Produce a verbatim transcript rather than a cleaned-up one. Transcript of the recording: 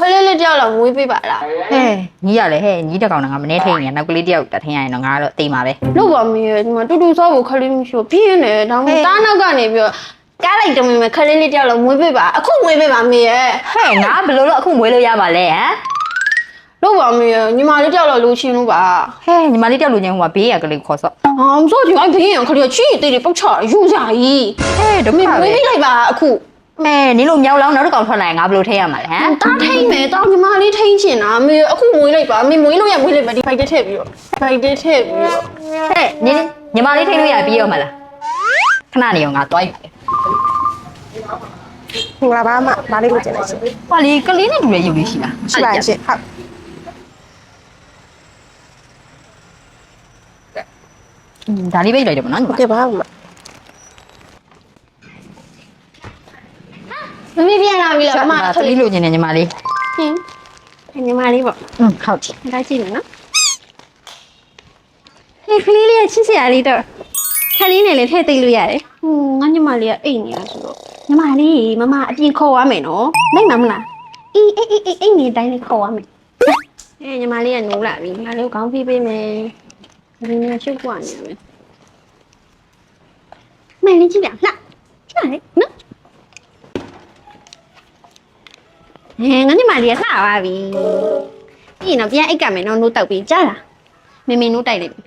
လေးလေးတယောက်လောက်မွေးပေးပါလားဟဲ့ညီရလေဟဲ့ညီတကောင်ကမနေထိန်နေနောက်ကလေးတယောက်တထင်ရရင်တော့ငါတော့တိမ်ပါပဲလို့ပါမေဒီမှာတူတူဆောဖို့ခလေးမရှိဘူးပြင်းနေဒါမှတားနောက်ကနေပြီးတော့ကားလိုက်တမင်မဲ့ခလေးလေးတယောက်လောက်မွေးပေးပါအခုမွေးပေးပါမေရဲ့ဟဲ့ငါဘယ်လိုလို့အခုမွေးလို့ရပါလဲဟမ်လို့ပါမေညီမလေးတယောက်လောက်လိုချင်လို့ပါဟဲ့ညီမလေးတယောက်လူချင်းဟိုကဘေးရကလေးခေါ်ဆော့ဟာမစိုးဒီအိုင်ဘေးရခလေးချီတေးတေးပောက်ချယူကြကြီးဟဲ့ဒုက္ခမေပဲမွေးပေးလိုက်ပါအခုမဲနင်တို့မြောက်လောင်းနောက်တစ်ကောင်ထွက်လာရင်ငါဘယ်လိုထိရမှာလဲဟမ်တားထိန်မယ်တားညီမလေးထိန်ချင်တာမေအခုမွေးလိုက်ပါမေမွေးလို့ရမွေးလိုက်ပါဒီဘိုက်တက်ထည့်ပြီးတော့ဘိုက်တက်ထည့်ပြီးတော့ဟဲ့နင်ညီမလေးထိလို့ရပြီးရောမလားခဏနေရောငါတွားယူပါလေမင်္ဂလာပါအမဒါလေးကိုကျင်လိုက်ရှင်ဟောလေကလေးနဲ့တူတဲ့ရုပ်လေးရှိလားရှိပါရှင်ဟုတ်ဒါလေးပဲလိုက်တယ်မနော်ညီမကဲပါအမမမေပြန်လာပြီလားအမကလေးလိုချင်တယ်ညီမလေးဟင်းညီမလေးပေါ့อืมဟုတ်တယ်ဒါကြည့်မယ်နော်ဟေးကလေးလေးချစ်စရာလေးတော့ခလေးနဲ့လည်းထည့်သိလို့ရတယ်ဟိုငါညီမလေးကအိတ်နေတာဆိုတော့ညီမလေးမမအပြင်ခေါ်ရမယ်နော်နိုင်မှာမလားအေးအေးအေးအေးအိတ်နေတိုင်းလေးခေါ်ရမယ်အေးညီမလေးကနိုးလာပြီငါလေးကိုခေါင်းဖိပေးမယ်ဒီနေ့ရှုပ်ပွားနေမယ်မင်းလေးကြည့်လားလှလှလေနော်ဟဲ့ငါညီမလေးကလှပါပြီပြီးရင်တော့ပြန်အိတ်ကမယ်နော်နိုးတောက်ပြီးကြားလားမေမေနိုးတိုက်လိုက်ပြီ